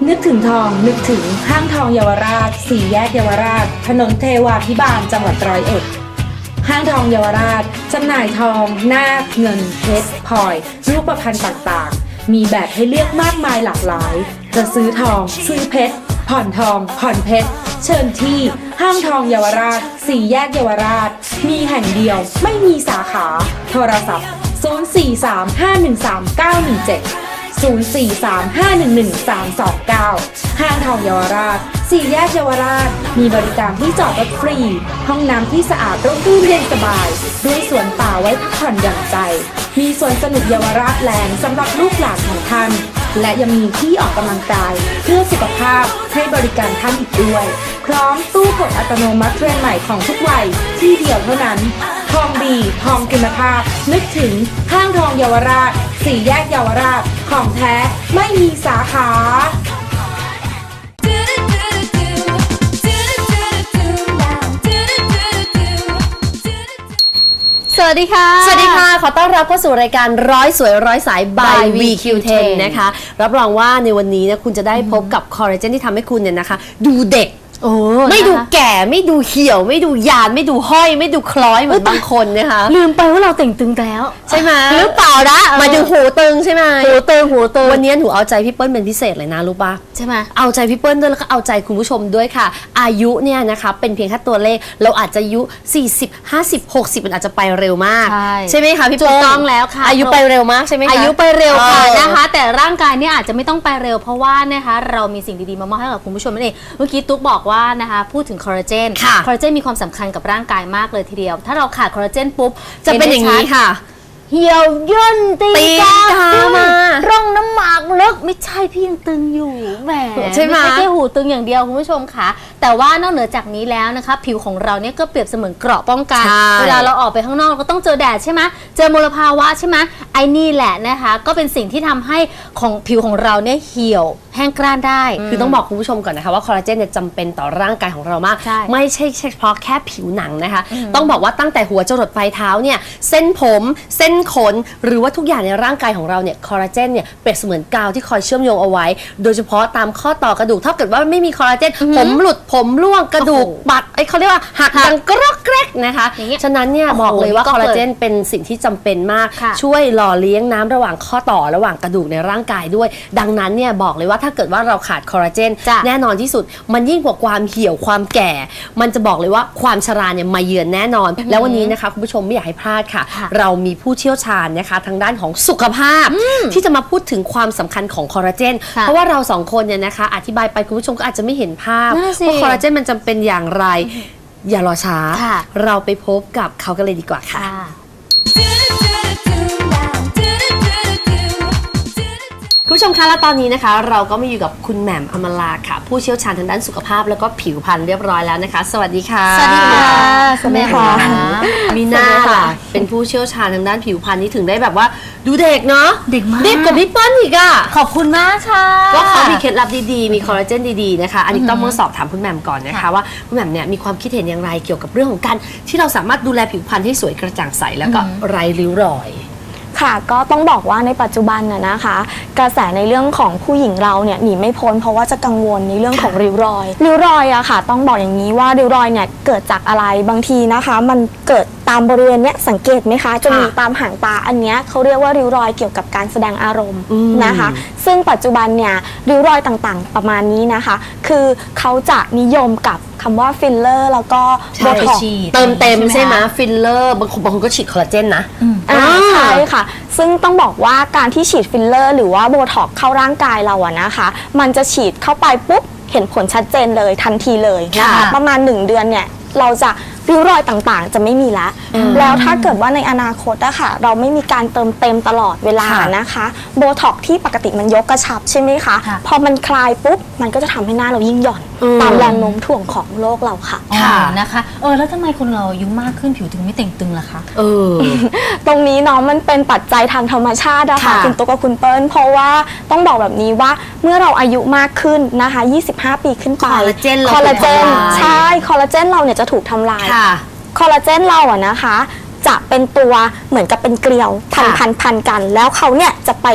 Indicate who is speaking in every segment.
Speaker 1: นึกถึงทองนึกถึงห้างทองเยาวราชสี่แยกเยาวราชถนนเทวาภิบาลจังหวัด101ห้างทองเยาวราชจำหน่ายทองนาคเงินเพชรพลอยรูปพรรณต่างๆมีแบบให้เลือกมากมายหลากหลายจะซื้อทองซื้อเพชรผ่อนทองผ่อนเพชรเชิญที่ห้างทองเยาวราชสี่แยกเยาวราชมีแห่งเดียวไม่มีสาขาโทรศัพท์0435133917 0435111329 ห้างทองเยาวราชสี่แยกเยาวราชมีบริการที่จอดรถฟรีห้องน้ำที่สะอาดร่มรื่นเย็นสบายด้วยสวนป่าไว้พักผ่อนหย่อนใจมีสวนสนุกเยาวราชแลนด์สำหรับลูกหลานของท่านและยังมีที่ออกกำลังกายเพื่อสุขภาพให้บริการท่านอีกด้วยพร้อมตู้กดอัตโนมัติเทรนด์ใหม่ของทุกวัยที่เดียวเท่านั้นทองดีทองคุณภาพนึกถึงห้างทองเยาวราชสี่แยกเยาวราชของแท้ไม่มีสาขา
Speaker 2: สวัสดีค่ะ
Speaker 3: สวัสดีค่ะขอต้อนรับเข้าสู่รายการร้อยสวยร้อยสาย by VQ10 นะคะรับรองว่าในวันนี้นะคุณจะได้พบกับคอลลาเจนที่ทำให้คุณเนี่ยนะคะดูเด็กไม่ดูแก่ไม่ดูเหี่ยวไม่ดูยานไม่ดูห้อยไม่ดูคล้อยเหมือนบางคนนะคะ
Speaker 2: ลืมไปว่าเราแต่งตึงแล้ว
Speaker 3: ใช่ไหม
Speaker 2: หรือเปล่านะ
Speaker 3: หมายถึงหูตึงใช่ไหม
Speaker 2: หูตึง
Speaker 3: วันนี้หนูเอาใจพี่เปิ้ลเป็นพิเศษเลยนะรู้ปะ
Speaker 2: ใช่ไหม
Speaker 3: เอาใจพี่เปิ้ลด้วยแล้วก็เอาใจคุณผู้ชมด้วยค่ะอายุเนี่ยนะคะเป็นเพียงแค่ตัวเลขเราอาจจะอายุ40 50 60มันอาจจะไปเร็วมากใช่ไหมคะพี่เปิ้ล
Speaker 2: ถูกต้องแล้วค่ะ
Speaker 3: อายุไปเร็วมากใช่ไหมคะ
Speaker 2: อายุไปเร็วค่ะนะคะแต่ร่างกายเนี่ยอาจจะไม่ต้องไปเร็วเพราะว่านะคะเรามีสิ่งดีๆมามอบให้กับคุณผู้ชมนั่นเองเมื่อกี้ตุ๊กบอกว่านะคะพูดถึงคอลลาเจนคอลลาเจนมีความสำคัญกับร่างกายมากเลยทีเดียวถ้าเราขาดคอลลาเจนปุ๊บ
Speaker 3: จะเป็นอย่างนี้ค่ะ
Speaker 2: เหี่ยวย่นตีกา
Speaker 3: มา
Speaker 2: ร่องน้ำหมากลึกไม่ใช่พี่ยังตึงอยู่แหม
Speaker 3: ใช่ไหม
Speaker 2: ไม่ใช่แค่หูตึงอย่างเดียวคุณผู้ชมค่ะแต่ว่านอกเหนือจากนี้แล้วนะคะผิวของเราเนี่ยก็เปรียบเสมือนเกราะป้องกันเวลาเราออกไปข้างนอกเราก็ต้องเจอแดดใช่ไหมเจอมลภาวะใช่ไหมไอ้นี่แหละนะคะก็เป็นสิ่งที่ทำให้ของผิวของเราเนี่ยเหี่ยวแห้งกร้านได้
Speaker 3: คือต้องบอกคุณผู้ชมก่อนนะคะว่าคอลลาเจนเนี่ยจำเป็นต่อร่างกายของเรามากไม่ใช่เฉพาะแค่ผิวหนังนะคะต้องบอกว่าตั้งแต่หัวจรดปลายเท้าเนี่ยเส้นผมเส้นขนหรือว่าทุกอย่างในร่างกายของเราเนี่ยคอลลาเจนเนี่ยเปรียบเสมือนกาวที่คอยเชื่อมโยงเอาไว้โดยเฉพาะตามข้อต่อกระดูกถ้าเกิดว่าไม่มีคอลลาเจนผมหลุดผมร่วงกระดูกบัดเขาเรียกว่าหักดังกรอกแกรกนะคะฉะนั้นเนี่ยบอกเลยว่าคอลลาเจนเป็นสิ่งที่จำเป็นมากช่วยหล่อเลี้ยงน้ำระหว่างข้อต่อระหว่างกระดูกในร่างกายด้วยดังนั้นเนี่ยบอกเลยว่าถ้าเกิดว่าเราขาดคอลลาเจนแน่นอนที่สุดมันยิ่งกว่าความเหี่ยวความแก่มันจะบอกเลยว่าความชราเนี่ยมาเยือนแน่นอนแล้ววันนี้นะคะคุณผู้ชมไม่อยากให้พลาดค่ะเรามีผู้เชี่ยวชาญนะคะทางด้านของสุขภาพที่จะมาพูดถึงความสำคัญของคอลลาเจนเพราะว่าเราสองคนเนี่ยนะคะอธิบายไปคุณผู้ชมก็อาจจะไม่เห็นภาพว่าคอลลาเจนมันจำเป็นอย่างไรอย่ารอช้าเราไปพบกับเขากันเลยดีกว่าค่ะคุณผู้ชมคะและตอนนี้นะคะเราก็มาอยู่กับคุณแหม่มอมราค่ะผู้เชี่ยวชาญทางด้านสุขภาพแล้วก็ผิวพรรณเรียบร้อยแล้วนะคะสวัสดีค่ะ
Speaker 2: สวัสดีค่ะสวัสดีค่ะ
Speaker 3: มีหน้าล่ะเป็นผู้เชี่ยวชาญทางด้านผิวพรรณนี่ถึงได้แบบว่าดูเด็กเนาะ
Speaker 2: เด็กมาก
Speaker 3: เด็กกว่าพี่เปิ้ลอีกอ่ะ
Speaker 2: ขอบคุณมากค่ะ
Speaker 3: ก็เขามีเคล็ดลับดีๆมีคอลลาเจนดีๆนะคะอันนี้ต้องมาสอบถามคุณแหม่มก่อนนะคะว่าคุณแหม่มเนี่ยมีความคิดเห็นอย่างไรเกี่ยวกับเรื่องของการที่เราสามารถดูแลผิวพรรณให้สวยกระจ่างใสแล้วก็ไร้ริ้วรอย
Speaker 4: ค่ะก็ต้องบอกว่าในปัจจุบันนะคะกระแสในเรื่องของผู้หญิงเราเนี่ยหนีไม่พ้นเพราะว่าจะกังวลในเรื่องของริ้วรอยอะค่ะต้องบอกอย่างนี้ว่าริ้วรอยเนี่ยเกิดจากอะไรบางทีนะคะมันเกิดตามบริเวณเนี้ยสังเกตไหมคะจะมีตามหางตาอันเนี้ยเขาเรียกว่าริ้วรอยเกี่ยวกับการแสดงอารมณ์นะคะซึ่งปัจจุบันเนี่ยริ้วรอยต่างๆประมาณนี้นะคะคือเขาจะนิยมกับคำว่าฟิลเลอร์แล้วก็โบท็อกซ์
Speaker 3: เติมเต็มใช่ไหมฟิลเลอร์บางคนก็ฉีดคอลลาเจนนะ
Speaker 4: ใช่ค่ะซึ่งต้องบอกว่าการที่ฉีดฟิลเลอร์หรือว่าโบท็อกซ์เข้าร่างกายเราอะนะคะมันจะฉีดเข้าไปปุ๊บเห็นผลชัดเจนเลยทันทีเลยนะคะประมาณ1 เดือนเนี่ยเราจะริ้วรอยต่างๆจะไม่มีแล้วถ้าเกิดว่าในอนาคตอะค่ะเราไม่มีการเติมเต็มตลอดเวลานะคะโบท็อกซ์ที่ปกติมันยกกระชับใช่ไหมคะพอมันคลายปุ๊บมันก็จะทำให้หน้าเรายิ่งหย่อนตามแรงโน้มถ่วงของโลกเราค่ะ
Speaker 2: นะคะแล้วทำไมคนเราอายุมากขึ้นผิวถึงไม่เต่งตึงล่ะคะ
Speaker 4: ตรงนี้เนาะมันเป็นปัจจัยทางธรรมชาตินะคะคุณตุ๊กกับคุณเปิ้ลเพราะว่าต้องบอกแบบนี้ว่าเมื่อเราอายุมากขึ้นนะคะ25 ปีขึ้นไปคอลลาเจนใช่คอลลาเจนเราเนี่ยจะถูกทำลายคอลลาเจนเราอะนะคะจะเป็นตัวเหมือนกับเป็นเกลียวพันกันแล้วเขาเนี่ยจะไป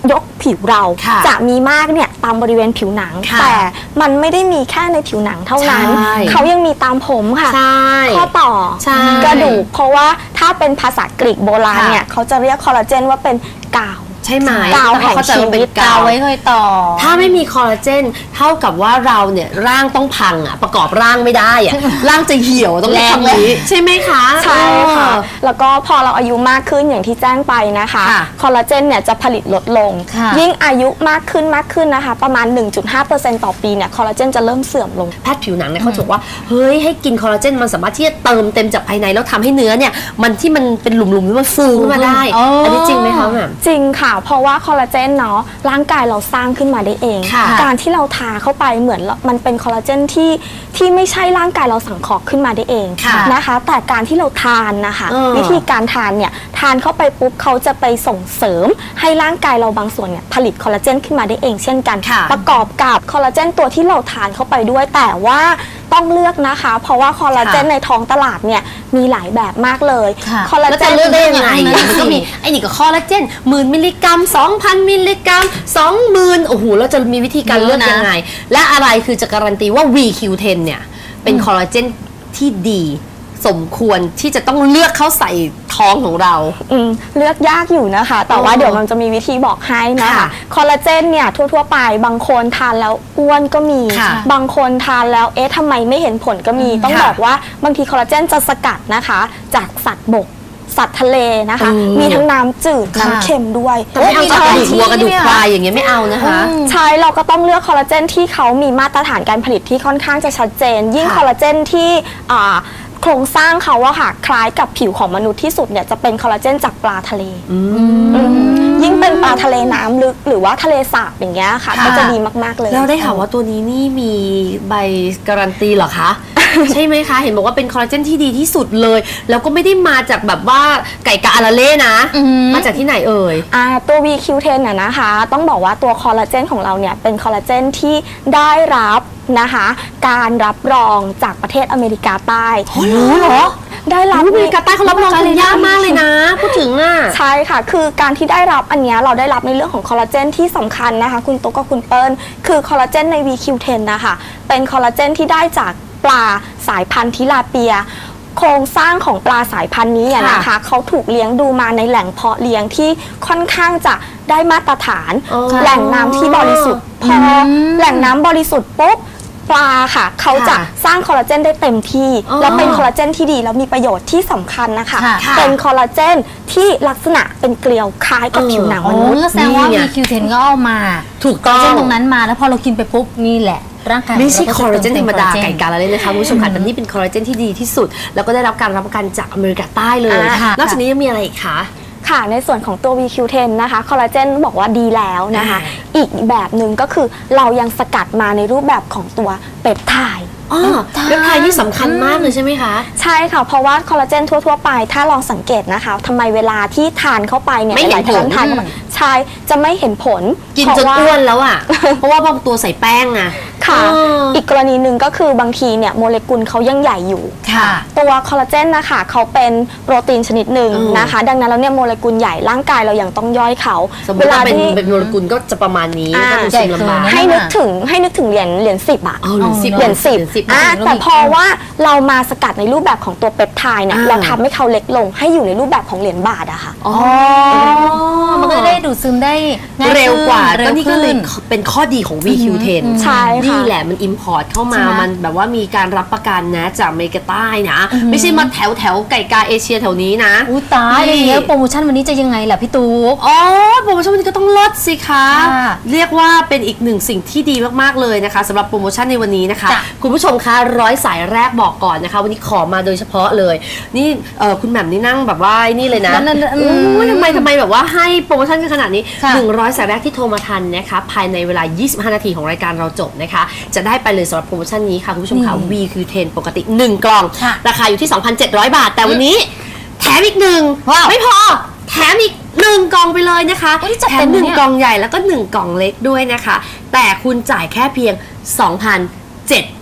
Speaker 4: ยกผิวเรา
Speaker 3: ค่ะ
Speaker 4: จะมีมากเนี่ยตามบริเวณผิวหนัง
Speaker 3: ค่ะ
Speaker 4: แต่มันไม่ได้มีแค่ในผิวหนังเท่านั้น
Speaker 3: ใช่
Speaker 4: เขายังมีตามผมค่ะ
Speaker 3: ใช่
Speaker 4: ข้อต่อ
Speaker 3: ใช่
Speaker 4: กระดูกเพราะว่าถ้าเป็นภาษากรีกโบราณเนี่ยเขาจะเรียกคอลลาเจนว่าเป็นกาว
Speaker 3: ใช่ไหม
Speaker 4: กาวแห่ง
Speaker 3: เขาจะเป็น
Speaker 4: ชีวิต
Speaker 3: กาก
Speaker 2: าว วไว้คอยต่อ
Speaker 3: ถ้าไม่มีคอลลาเจนเท่ากับว่าเราเนี่ยร่างต้องพังอ่ะประกอบร่างไม่ได้อ่ะ ร่างจะเหี่ยวต้องเรียกคำนี้ใช่ไหมคะ
Speaker 4: ใช่ค่ะ
Speaker 3: เออ
Speaker 4: แล้วก็พอเราอายุมากขึ้นอย่างที่แจ้งไปนะคะ
Speaker 3: ค่ะ
Speaker 4: คอลลาเจนเนี่ยจะผลิตลดลง
Speaker 2: ค่ะ
Speaker 4: ยิ่งอายุมากขึ้นนะคะ ประมาณ 1.5% ต่อปีเนี่ยคอลลาเจนจะเริ่มเสื่อมลง
Speaker 3: แพทย์ผิวหนังเนี่ยเขาจะบอกว่าเฮ้ยให้กินคอลลาเจนมันสามารถที่จะเติมเต็มจากภายในแล้วทำให้เนื้อเนี่ยมันที่มันเป็นหลุมๆนี่มันฟูขึ้นมาได้
Speaker 2: อ๋ออั
Speaker 3: อันนี้จริงไหมคะแหม่ม
Speaker 4: จริงค่ะ เพราะว่าคอลลาเจนเนาะร่างกายเราสร้างขึ้นมาได้เอง
Speaker 3: ค่ะ
Speaker 4: การที่เราทาเข้าไปเหมือนมันเป็นคอลลาเจนที่ไม่ใช่ร่างกายเราสังเคราะห์ขึ้นมาได้เอง
Speaker 3: ค่ะ
Speaker 4: นะคะ แต่การที่เราทานนะคะ
Speaker 3: เออ
Speaker 4: วิธีการทานเนี่ยทานเข้าไปปุ๊บเขาจะไปส่งเสริมให้ร่างกายเราบางส่วนเนี่ยผลิตคอลลาเจนขึ้นมาได้เองเช่นกัน
Speaker 3: ค่ะ
Speaker 4: ประกอบกับคอลลาเจนตัวที่เราทานเข้าไปด้วย แต่ว่าต้องเลือกนะคะ เพราะว่าคอลลาเจนในท้องตลาดเนี่ยมีหลายแบบมากเลย
Speaker 2: ค่ะ
Speaker 4: คอลลา
Speaker 3: แล้ว
Speaker 4: เจ
Speaker 3: จะ
Speaker 4: น
Speaker 3: เลือกได้ยังไง
Speaker 2: นั่นน่ะ
Speaker 3: มันก็มี
Speaker 2: สิ
Speaker 3: ไอ้นี่ก็คอลลาเจน10,000 มิลลิกรัม 2,000 มิลลิกรัม 20,000โอ้โหเราจะมีวิธีการเลือกยังไง และอะไรคือจะการันตีว่า VQ10 เนี่ยเป็นคอลลาเจนที่ดีสมควรที่จะต้องเลือกเข้าใส่ท้องของเรา
Speaker 4: เลือกยากอยู่นะคะ แต่ว่า
Speaker 3: อ๋อ
Speaker 4: เดี๋ยวมันจะมีวิธีบอกให้นะคะ
Speaker 3: ค่ะ
Speaker 4: คอลลาเจนเนี่ยทั่วๆไปบางคนทานแล้วอ้วนก็มี
Speaker 3: ค่ะ
Speaker 4: บางคนทานแล้วเอ๊ะทำไมไม่เห็นผลก็มี ต้อง
Speaker 3: ค่ะ
Speaker 4: บอกว่าบางทีคอลลาเจนจะสกัดนะคะ จากสัตว์บก สัตว์ทะเลนะคะ มีทั้งน้ำจืด
Speaker 2: ค่ะ
Speaker 4: น้ำเค็มด้วย
Speaker 3: แต่ไม่เอา
Speaker 2: มี
Speaker 3: จากกระดูก
Speaker 2: ที่
Speaker 3: วัวกระดูก
Speaker 2: เนี่ย
Speaker 3: ควายอย่างเงี้ยไม่เอานะคะ
Speaker 4: ใช่เราก็ต้องเลือกคอลลาเจนที่เขามีมาตรฐานการผลิตที่ค่อนข้างจะชัดเจน ยิ่ง
Speaker 3: ค่ะ
Speaker 4: คอลลาเจนที่โครงสร้างเขาอะค่ะคล้ายกับผิวของมนุษย์ที่สุดเนี่ยจะเป็นคอลลาเจนจากปลาทะเล ยิ่งเป็นปลาทะเลน้ำลึกหรือว่าทะเลสาบอย่างเงี้ยค่ะ
Speaker 2: ค่ะ
Speaker 4: ก็จะดีมากๆเลย
Speaker 3: แล้วได้ข่าวว่าตัวนี้นี่มีใบการันตีเหรอคะ ใช่ไหมคะ เห็นบอกว่าเป็นคอลลาเจนที่ดีที่สุดเลย แล้วก็ไม่ได้มาจากแบบว่าไก่กะอาราเล่นะ มาจากที่ไหนเอ่ย
Speaker 4: ตัว VQ10 น่ะนะคะ ต้องบอกว่าตัวคอลลาเจนของเราเนี่ยเป็นคอลลาเจนที่ได้รับนะคะการรับรองจากประเทศอเมริกาใต้
Speaker 3: รู้เหรอ
Speaker 4: ได้รับ
Speaker 3: อเมริกาใต้เขารับรองกันยากมากเลยนะ พูดถึงอ่ะ
Speaker 4: ใช่ค่ะ คือการที่ได้รับอันเนี้ยเราได้รับในเรื่องของคอลลาเจนที่สำคัญนะคะ คุณตุ๊กกับคุณเปิ้ลคือคอลลาเจนใน VQ10 นะคะเป็นคอลลาเจนที่ได้จากปลาสายพันธุ์ทิลาเปีย โครงสร้างของปลาสายพันธุ์นี้อะนะคะเขาถูกเลี้ยงดูมาในแหล่งเพาะเลี้ยงที่ค่อนข้างจะได้มาตรฐาน
Speaker 3: อ๋อ
Speaker 4: แหล่งน้ำที่บริสุทธิ์พอแหล่งน้ำบริสุทธิ์ปุ๊บปลาค่ะเขาจะสร้างคอลลาเจนได้เต็มที่
Speaker 3: อ๋อ
Speaker 4: แล้วเป็นคอลลาเจนที่ดีแล้วมีประโยชน์ที่สำคัญนะคะ
Speaker 2: ค่ะ
Speaker 4: เป็นคอลลาเจนที่ลักษณะเป็นเกลียวคล้ายกับผิวหนัง
Speaker 2: โอ้
Speaker 4: มนุษย์
Speaker 2: ก็แสดงว่า
Speaker 3: นี่
Speaker 2: มี
Speaker 3: ไง
Speaker 2: Q10 ก็เอามา
Speaker 3: ถูกต้อง
Speaker 2: เส้นตรงนั้นมาแล้วพอเรากินไปปุ๊บนี่แหละ ร่างกาย
Speaker 3: ไม่ใช่
Speaker 2: เก็
Speaker 3: คอลลาเจนธรรมดา
Speaker 2: เต็
Speaker 3: ไก่
Speaker 2: คอลลเจน
Speaker 3: กาละเลยนะคะคุณผู้ชมค่ะแต่นี่เป็นคอลลาเจนที่ดีที่สุด แล้วก็ได้รับการรับประกันจากอเมริกาใต้เลย
Speaker 2: ค่ะ
Speaker 3: นอกจากนี้ยังมีอะไรอีกคะ
Speaker 4: ค่ะในส่วนของตัว VQ10 นะคะคอลลาเจนบอกว่าดีแล้วนะคะ
Speaker 3: อ่า
Speaker 4: อีกแบบหนึ่งก็คือเรายังสกัดมาในรูปแบบของตัวเปปไทด์
Speaker 3: อ๋อเว็บไทยนี่สำคัญมากเลยใช่ไหมคะ
Speaker 4: ใช่ค่ะ เพราะว่าคอลลาเจนทั่วๆไปถ้าลองสังเกตนะคะทำไมเวลาที่ทานเข้าไปเนี่ย
Speaker 3: ไม่เห็น
Speaker 4: หลายๆท่านทานเข้าไปใช่จะไม่เห็นผล
Speaker 3: กิน
Speaker 4: เพ
Speaker 3: จ
Speaker 4: ราะ
Speaker 3: น
Speaker 4: ว่า
Speaker 3: อ้วนแล้วอ่ะ เพราะว่าบางตัวใส่แป้งอะ
Speaker 4: ค่ะ
Speaker 3: เอออี
Speaker 4: อีกกรณีหนึ่งก็คือบางทีเนี่ยโมเลกุลเขายังใหญ่อยู่
Speaker 2: ค่ะ
Speaker 4: ตัวคอลลาเจนนะคะเขาเป็นโปรตีนชนิดหนึ่งนะคะ ดังนั้นแล้วเนี่ยโมเลกุลใหญ่ร่างกายเรายังต้องย่อยเขา
Speaker 3: สมมติว่าเป็นโมเลกุลก็จะประมาณนี้
Speaker 4: อ่า
Speaker 3: ก็คือชิมลำบาก
Speaker 2: ใหญ่เกิน
Speaker 4: ให้นึกถึงเหรียญ10อะ
Speaker 3: เอาเหรียญสิบ
Speaker 4: เหรียญสิบ
Speaker 2: อ่า
Speaker 4: แต่พอว่าเรามาสกัดในรูปแบบของตัวเปปไทด์เนี่ยเราทำให้เขาเล็กลงให้อยู่ในรูปแบบของเหรียญบาทอะค่ะ
Speaker 3: อ๋อ
Speaker 2: มันก็ได้ดูดซึมได้ง่ายขึ้น
Speaker 3: เร็วกว่า
Speaker 2: เร็
Speaker 3: ก็
Speaker 2: ว
Speaker 3: นี่ก็เลย
Speaker 2: ขึ้น
Speaker 3: เป็นข้อดีของ VQ10
Speaker 4: ใช่ค่ะ
Speaker 3: นี่แหละมันอิมพอร์ตเข้ามา
Speaker 2: ใช่ไหม
Speaker 3: มันแบบว่ามีการรับประกันนะจากอเมริกาใต้นะ ไม่ใช่มาแถวไก่กาเอเชียแถวนี้นะ
Speaker 2: อุ้ยตายอะไรอย่างเงี้ยโปรโมชั่นวันนี้จะยังไงล่ะพี่ตุ๊ก
Speaker 3: อ๋อโปรโมชั่นวันนี้ก็ต้องลดสิคะ
Speaker 2: ค่ะ
Speaker 3: เรียกว่าเป็นอีกหนึ่งสิ่งที่ดีมากๆเลยนะคะสำหรับโปรโมชั่นในวันนี้นะคะ
Speaker 2: จ้ะ
Speaker 3: คุณผู้ชมคะ100 สายแรกบอกก่อนนะคะ วันนี้ขอมาโดยเฉพาะเลย นี่คุณแหม่มนี่นั่งแบบว่านี่เลยนะ
Speaker 2: นั่นๆอืม
Speaker 3: โอ้ยทำไมแบบว่าให้โปรโมชั่นกันขนาดนี้
Speaker 2: ค่ะ
Speaker 3: 100 สายแรกที่โทรมาทันนะคะภายในเวลา 25 นาทีของรายการเราจบนะคะ จะได้ไปเลยสำหรับโปรโมชั่นนี้ค่ะคุณผู้ชมค่ะ VQ10 ปกติ 1 กล่อง
Speaker 2: ค่ะ
Speaker 3: ราคาอยู่ที่ 2,700 บาท แต่วันนี้แถมอีกหนึ่ง
Speaker 2: ว้าว
Speaker 3: ไม่พอแถมอีก1 กล่องไปเลยนะคะ
Speaker 2: โอ้ยจัด
Speaker 3: แถ
Speaker 2: เต็
Speaker 3: ม
Speaker 2: ม
Speaker 3: 1
Speaker 2: เนี่ย
Speaker 3: กล่องใหญ่แล้วก็1 กล่องเล็กด้วยนะคะ แต่คุณจ่ายแค่เพียง 2,700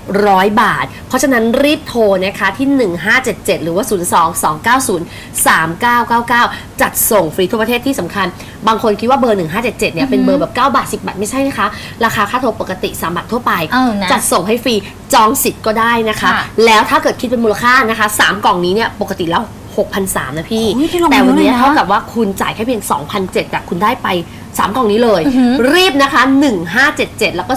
Speaker 3: 100 บาทเพราะฉะนั้นรีบโทรนะคะที่ 1577 หรือว่า 02-290-3999 จัดส่งฟรีทั่วประเทศที่สำคัญบางคนคิดว่าเบอร์ 1577 เนี่ยเป็นเบอร์แบบ9 บาท 10 บาทไม่ใช่นะคะราคาค่าโทรปกติ3 บาททั่วไปจัดส่งให้ฟรีจองสิทธิ์ก็ได้นะคะแล้วถ้าเกิดคิดเป็นมูลค่านะคะ3 กล่องนี้เนี่ยปกติแล้ว 6,300 นะพี่แต่วันนี้เท่ากับว่าคุณจ่ายแค่เพียง 2,700 แต่คุณได้ไป3 กล่องนี้เลยรีบนะคะ 1577 แล้วก็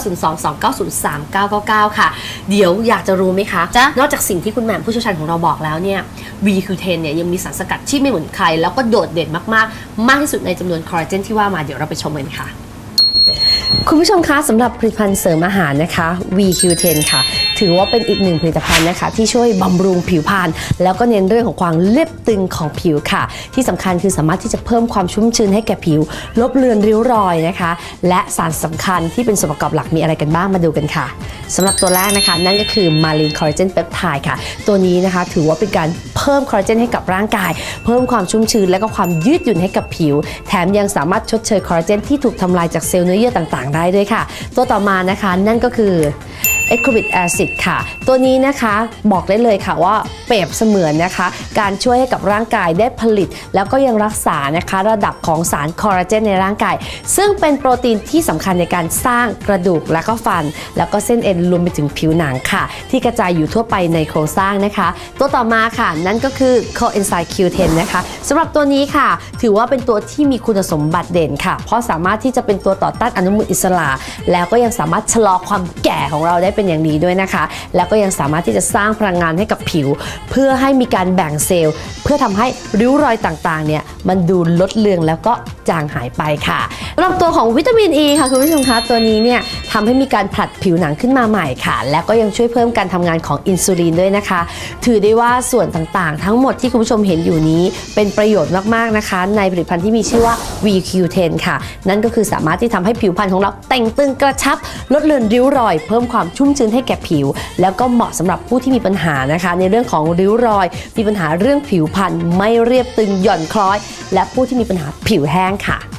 Speaker 3: 02-290-3999 ค่ะเดี๋ยวอยากจะรู้ไหมคะนอกจากสิ่งที่คุณแหม่มผู้เชี่ยวชาญของเราบอกแล้วเนี่ย VQ10 เนี่ยยังมีสารสกัดที่ไม่เหมือนใครแล้วก็โดดเด่นมากๆมากที่สุดในจำนวนคอลลาเจนที่ว่ามาเดี๋ยวเราไปชมกันค่ะคุณผู้ชมคะสำหรับผลิตภัณฑ์เสริมอาหารนะคะ VQ10 ค่ะถือว่าเป็นอีกหนึ่งผลิตภัณฑ์นะคะที่ช่วยบำรุงผิวพรรณแล้วก็เน้นเรื่องของความเรียบตึงของผิวค่ะที่สำคัญคือสามารถที่จะเพิ่มความชุ่มชื้นให้แก่ผิวลบเลือนริ้วรอยนะคะและสารสำคัญที่เป็นส่วนประกอบหลักมีอะไรกันบ้างมาดูกันค่ะสำหรับตัวแรกนะคะนั่นก็คือมาลินคอลลาเจนเปปไทด์ค่ะตัวนี้นะคะถือว่าเป็นการเพิ่มคอลลาเจนให้กับร่างกายเพิ่มความชุ่มชื้นและก็ความยืดหยุ่นให้กับผิวแถมยังสามารถชดเชยคอลลาเจนที่ถูกทำลายจากเซลล์เนื้อเยื่อต่างๆได้ด้วยค่ะตัวต่อมานะคะนั่นก็คือAscorbic Acid ค่ะตัวนี้นะคะบอกได้เลยค่ะว่าเปรียบเสมือนนะคะการช่วยให้กับร่างกายได้ผลิตแล้วก็ยังรักษานะคะระดับของสารคอลลาเจนในร่างกายซึ่งเป็นโปรตีนที่สำคัญในการสร้างกระดูกและก็ฟันแล้วก็เส้นเอ็นรวมไปถึงผิวหนังค่ะที่กระจายอยู่ทั่วไปในโครงสร้างนะคะตัวต่อมาค่ะนั่นก็คือ Coenzyme Q10 นะคะสำหรับตัวนี้ค่ะถือว่าเป็นตัวที่มีคุณสมบัติเด่นค่ะเพราะสามารถที่จะเป็นตัวต่อต้านอนุมูลอิสระแล้วก็ยังสามารถชะลอความแก่ของเราได้เป็นอย่างดีด้วยนะคะแล้วก็ยังสามารถที่จะสร้างพลังงานให้กับผิวเพื่อให้มีการแบ่งเซลล์เพื่อทำให้ริ้วรอยต่างๆเนี่ยมันดูลดเลือนแล้วก็จางหายไปค่ะสำหรับตัวของวิตามิน E ค่ะคุณผู้ชมคะตัวนี้เนี่ยทำให้มีการผลัดผิวหนังขึ้นมาใหม่ค่ะแล้วก็ยังช่วยเพิ่มการทำงานของอินซูลินด้วยนะคะถือได้ว่าส่วนต่างๆทั้งหมดที่คุณผู้ชมเห็นอยู่นี้เป็นประโยชน์มากๆนะคะในผลิตภัณฑ์ที่มีชื่อว่า VQ10 ค่ะนั่นก็คือสามารถที่ทำให้ผิวพรรณของเราแต่งตึงกระชับลดเลือนริ้วรอยเพิ่มความชุ่มชื้นให้แก่ผิวแล้วก็เหมาะสำหรับผู้ที่มีปัญหานะคะในเรื่องของริ้วรอยมีปัญหาเรื่องผิวพรรณไม่เรียบตึงหย่อนคล้อยและผู้ที่มีปัญหาผิวแห้งค่ะ